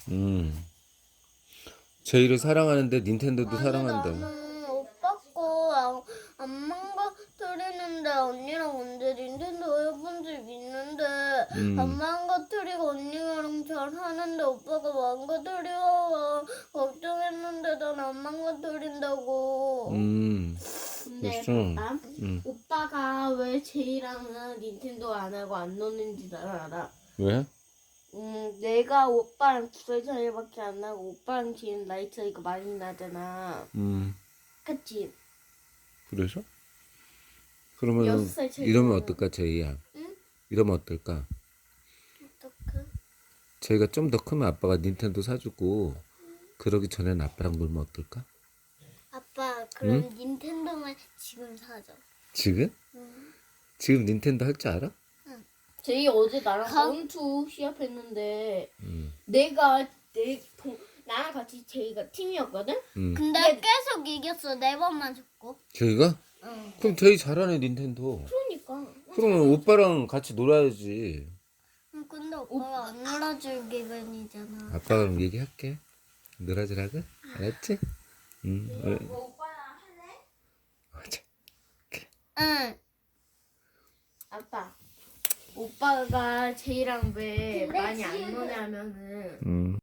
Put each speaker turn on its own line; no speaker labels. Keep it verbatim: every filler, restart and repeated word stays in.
음. 제이를 사랑하는데 닌텐도도
아니,
사랑한다.
나는 오빠 거 안, 안 망가뜨리는데 언니랑 언제 닌텐도 해본 적 있는데
음.
안 망가뜨리고 언니랑 잘 하는데 오빠가 망가뜨려 걱정했는데 난 안 망가뜨린다고.
음.
근데
그랬어.
봐봐.
음.
오빠가 왜 제이랑은 닌텐도 안 하고 안 노는지 난 알아.
왜?
음, 내가 오빠랑 두 살 차이밖에 안 나고 오빠랑 제이는 나이 차이가 많이 나잖아.
음.
그치?
그래서? 그러면
여섯 살 차이
이러면
나잖아.
어떨까, 제이야?
응?
이러면 어떨까?
어떡해?
제이가 좀 더 크면 아빠가 닌텐도 사주고 그러기 전에는 아빠랑 놀면 어떨까?
아빠 그럼 닌텐도만 지금 사자.
지금?
응.
지금 닌텐도 할 줄 알아?
제이 어제 나랑
가-
원투 시합했는데
음.
내가 내 동, 나랑 같이 제이가 팀이었거든?
음.
근데 계속 이겼어. 네 번만 줬고.
제이가?
응.
그럼 제이 잘하네, 닌텐도.
그러니까.
그러면 오빠랑 같이 놀아야지.
응, 근데 오빠가 안 놀아줄 기분이잖아.
아빠가 그럼 얘기할게. 놀아주라고? 알았지? 응. 응.
오빠랑 할래?
맞아.
응.
아빠. 오빠가 제이랑 왜
근데
많이 안
지금-
노냐면은
음.